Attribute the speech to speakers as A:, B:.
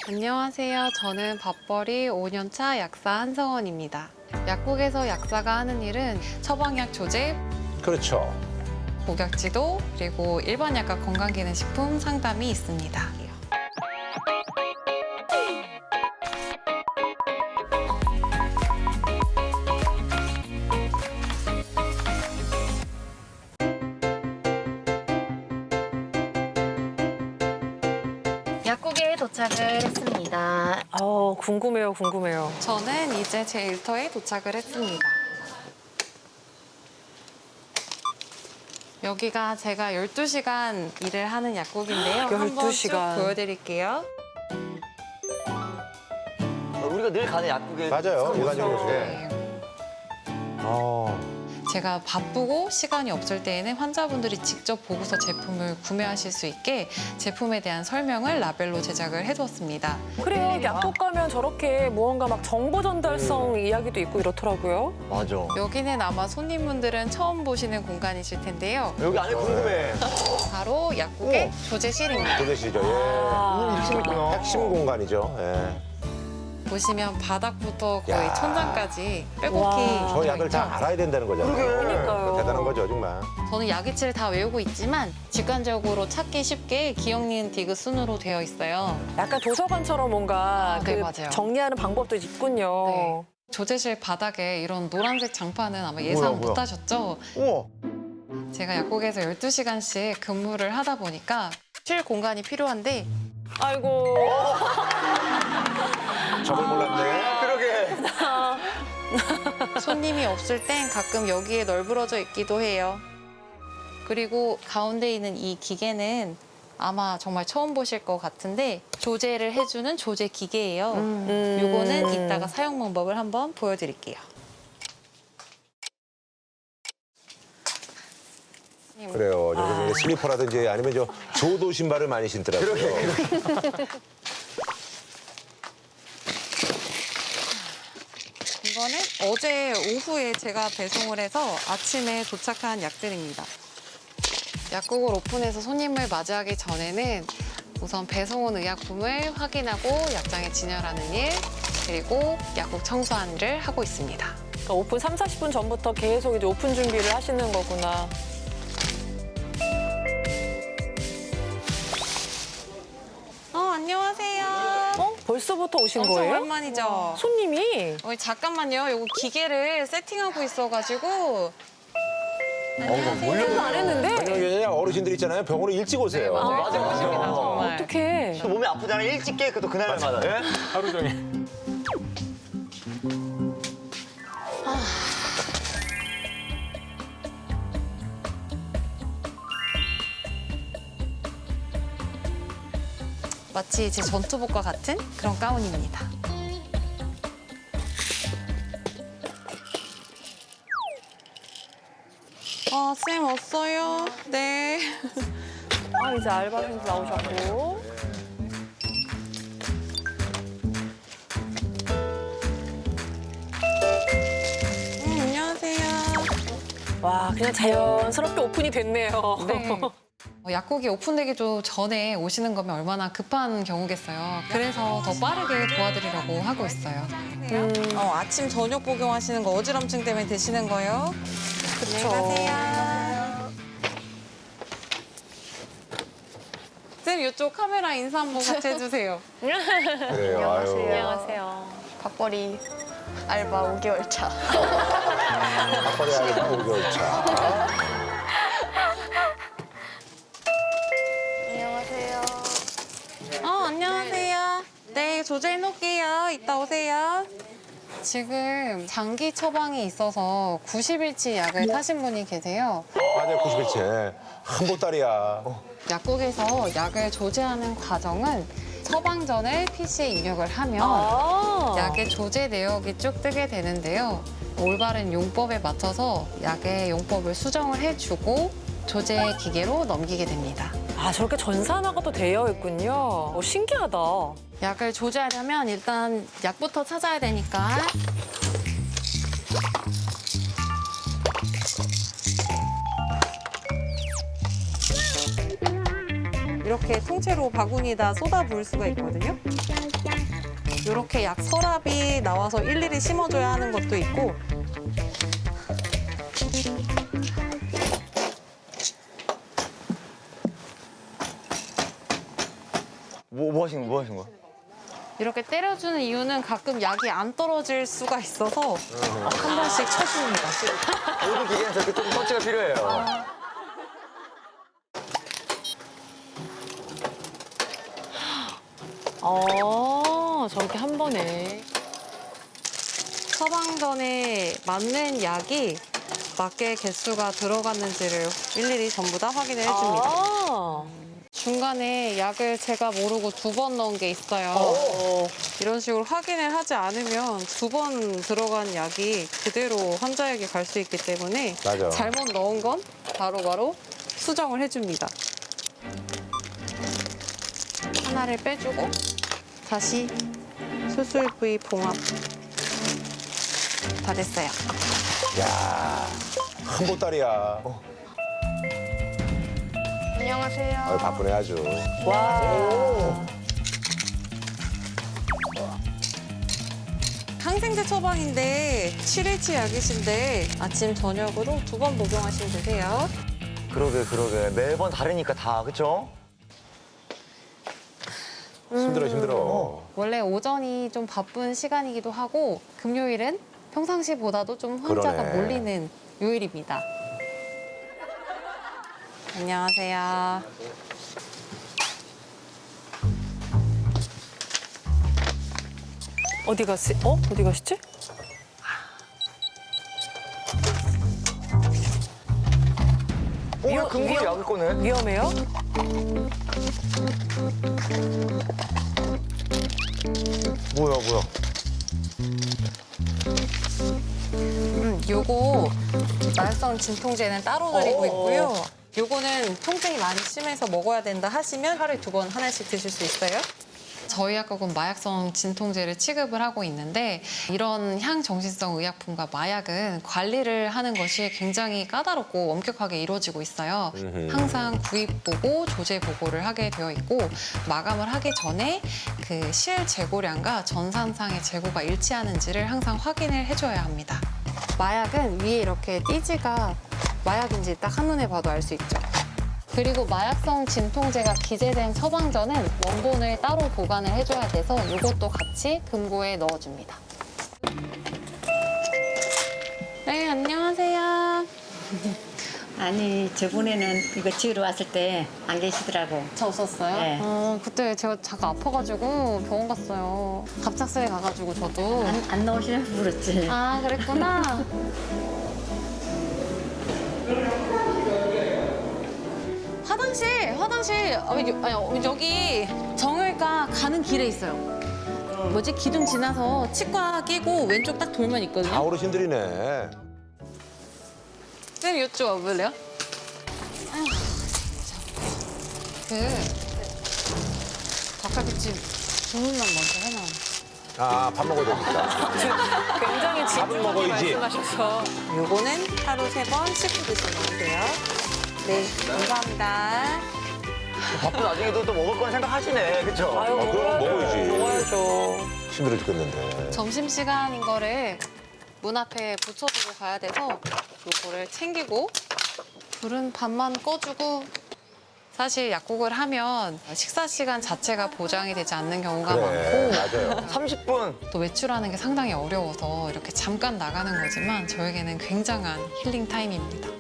A: 안녕하세요. 저는 밥벌이 5년차 약사 한성원입니다. 약국에서 약사가 하는 일은 처방약 조제,
B: 그렇죠.
A: 복약지도, 그리고 일반 약과 건강기능식품 상담이 있습니다.
C: 약국에 도착을 했습니다.
D: 궁금해요, 궁금해요.
A: 저는 이제 제 일터에 도착을 했습니다. 여기가 제가 12시간 일을 하는 약국인데요. 한번 쭉
D: 12시간.
A: 보여드릴게요.
E: 우리가 늘 가는 약국에
B: 맞아요. 일반적으로.
A: 네. 제가 바쁘고 시간이 없을 때에는 환자분들이 직접 보고서 제품을 구매하실 수 있게 제품에 대한 설명을 라벨로 제작을 해두었습니다.
D: 그래요, 약국 가면 저렇게 무언가 막 정보 전달성 이야기도 있고 이렇더라고요.
E: 맞아.
A: 여기는 아마 손님분들은 처음 보시는 공간이실 텐데요.
E: 여기 안에 궁금해.
A: 바로 약국의 조제실입니다.
B: 도대시죠. 예. 핵심 공간이죠. 예.
A: 보시면 바닥부터 거의
B: 야.
A: 천장까지 빼곡히
D: 와.
B: 저 약을 다
A: 들어있죠.
B: 알아야 된다는 거잖아요.
D: 그러니까요.
B: 대단한 거죠, 정말.
A: 저는 약이치를 다 외우고 있지만 직관적으로 찾기 쉽게 기억, 니은, 디귿 순으로 되어 있어요.
D: 약간 도서관처럼 뭔가
A: 네, 맞아요.
D: 정리하는 방법도 있군요.
A: 네. 조제실 바닥에 이런 노란색 장판은 아마 예상
B: 뭐야?
A: 못하셨죠?
E: 우와.
A: 제가 약국에서 12시간씩 근무를 하다 보니까 쉴 공간이 필요한데
D: 아이고.
B: 저걸 몰랐네.
E: 그러게.
A: 손님이 없을 땐 가끔 여기에 널브러져 있기도 해요. 그리고 가운데 있는 이 기계는 아마 정말 처음 보실 것 같은데 조제를 해주는 조제 기계예요. 요거는 이따가 사용 방법을 한번 보여드릴게요.
B: 그래요. 여기 슬리퍼라든지 아니면 저 조도 신발을 많이 신더라고요.
A: 이거는 어제 오후에 제가 배송을 해서 아침에 도착한 약들입니다. 약국을 오픈해서 손님을 맞이하기 전에는 우선 배송 온 의약품을 확인하고 약장에 진열하는 일, 그리고 약국 청소하는 일을 하고 있습니다.
D: 그러니까 오픈 3, 40분 전부터 계속 이제 오픈 준비를 하시는 거구나.
A: 안녕하세요.
D: 벌써부터 오신
A: 엄청
D: 거예요?
A: 오랜만이죠?
D: 손님이?
A: 잠깐만요. 요거 기계를 세팅하고 있어가지고.
D: 세팅도 안 했는데?
B: 왜냐면 어르신들 있잖아요. 병원에 일찍 오세요.
E: 맞아.
A: 정말.
D: 어떡해.
E: 또 몸이 아프잖아. 일찍 깨. 또 그날마다. 예?
B: 하루 종일.
A: 마치 제 전투복과 같은 그런 가운입니다. 쌤 왔어요? 네.
D: 이제 알바생도 나오셨고.
A: 안녕하세요.
D: 와, 그냥 자연스럽게 오픈이 됐네요.
A: 네. 약국이 오픈되기 좀 전에 오시는 거면 얼마나 급한 경우겠어요. 그래서 더 빠르게 도와드리려고 하고 있어요. 아침 저녁 복용하시는 거 어지럼증 때문에 드시는 거예요?
D: 그렇죠.
A: 쌤 이쪽 카메라 인사 한번 같이 해주세요.
B: 그래요. 아유.
D: 안녕하세요.
C: 밥벌이 알바 5개월 차.
B: 밥벌이 알바 5개월 차.
C: 안녕하세요.
A: 안녕하세요. 네, 조제해 놓을게요. 이따 오세요. 지금 장기 처방이 있어서 90일치 약을 타신 분이 계세요.
B: 맞아요. 90일째. 한 보따리야.
A: 약국에서 약을 조제하는 과정은 처방전을 PC에 입력을 하면 약의 조제 내역이 쭉 뜨게 되는데요. 올바른 용법에 맞춰서 약의 용법을 수정을 해주고 조제 기계로 넘기게 됩니다.
D: 저렇게 전산화가 또 되어 있군요. 신기하다.
A: 약을 조제하려면 일단 약부터 찾아야 되니까 이렇게 이렇게 통째로 바구니에다 쏟아 부을 수가 있거든요. 이렇게 약 서랍이 나와서 일일이 심어줘야 하는 것도 있고
E: 뭐 하시는 거야?
A: 이렇게 때려주는 이유는 가끔 약이 안 떨어질 수가 있어서 한 번씩 쳐줍니다.
E: 모든 기계는 저렇게 조금 터치가 필요해요.
D: 저렇게 한 번에.
A: 처방전에 맞는 약이 맞게 개수가 들어갔는지를 일일이 전부 다 확인을 해줍니다.
D: 아.
A: 중간에 약을 제가 모르고 2번 넣은 게 있어요. 이런 식으로 확인을 하지 않으면 2번 들어간 약이 그대로 환자에게 갈 수 있기 때문에
B: 맞아.
A: 잘못 넣은 건 바로바로 수정을 해줍니다. 하나를 빼주고 다시 수술 부위 봉합 다 됐어요.
B: 야, 한 보따리야.
C: 안녕하세요.
B: 아유, 바쁘네 아주.
A: 항생제 처방인데 7일치 약이신데 아침 저녁으로 2번 복용하시면 되세요.
E: 그러게. 매번 다르니까 다, 그쵸?
B: 힘들어.
A: 원래 오전이 좀 바쁜 시간이기도 하고 금요일은 평상시보다도 좀 환자가
B: 그러네.
A: 몰리는 요일입니다. 안녕하세요.
D: 어디 가시지?
E: 왜 금고에 약을 꺼내?
D: 위험해요?
E: 뭐야.
A: 요거 말성 진통제는 따로 드리고 있고요. 요거는 통증이 많이 심해서 먹어야 된다 하시면 하루에 2번 하나씩 드실 수 있어요. 저희 약국은 마약성 진통제를 취급을 하고 있는데 이런 향정신성 의약품과 마약은 관리를 하는 것이 굉장히 까다롭고 엄격하게 이루어지고 있어요. 항상 구입 보고 조제 보고를 하게 되어 있고 마감을 하기 전에 그 실 재고량과 전산상의 재고가 일치하는지를 항상 확인을 해줘야 합니다. 마약은 위에 이렇게 띠지가 마약인지 딱 한눈에 봐도 알 수 있죠. 그리고 마약성 진통제가 기재된 처방전은 원본을 따로 보관을 해줘야 돼서 이것도 같이 금고에 넣어줍니다. 네, 안녕하세요.
F: 아니 저번에는 이거 지으러 왔을 때 안 계시더라고.
A: 저 없었어요?
F: 네.
A: 그때 제가 잠깐 아파가지고 병원 갔어요. 갑작스레 가가지고 저도.
F: 안 나오시라고 물었지.
A: 아, 그랬구나. 화장실. 여기 정형외과 가는 길에 있어요. 뭐지? 기둥 지나서 치과 끼고 왼쪽 딱 돌면 있거든요.
B: 다 어르신들이네.
A: 쌤, 이쪽 와볼래요? 아휴, 닭갈비찜 주문만 먼저 해놔.
B: 아, 밥 먹어야 되니까.
D: 굉장히 진중하게
B: 먹어야지.
D: 말씀하셔서.
A: 요거는 하루 3번 씻고 드시면 돼요. 네, 감사합니다.
E: 바쁜 와중에도 또 먹을 건 생각하시네, 그쵸?
D: 아유,
B: 그럼 먹어야지.
D: 먹어야죠.
B: 힘들어 죽겠는데.
A: 점심시간인 거를 문 앞에 붙여두고 가야 돼서 요거를 챙기고 불은 반만 꺼주고 사실 약국을 하면 식사 시간 자체가 보장이 되지 않는 경우가
B: 그래,
A: 많고
B: 맞아요.
E: 30분.
A: 또 외출하는 게 상당히 어려워서 이렇게 잠깐 나가는 거지만 저에게는 굉장한 힐링 타임입니다.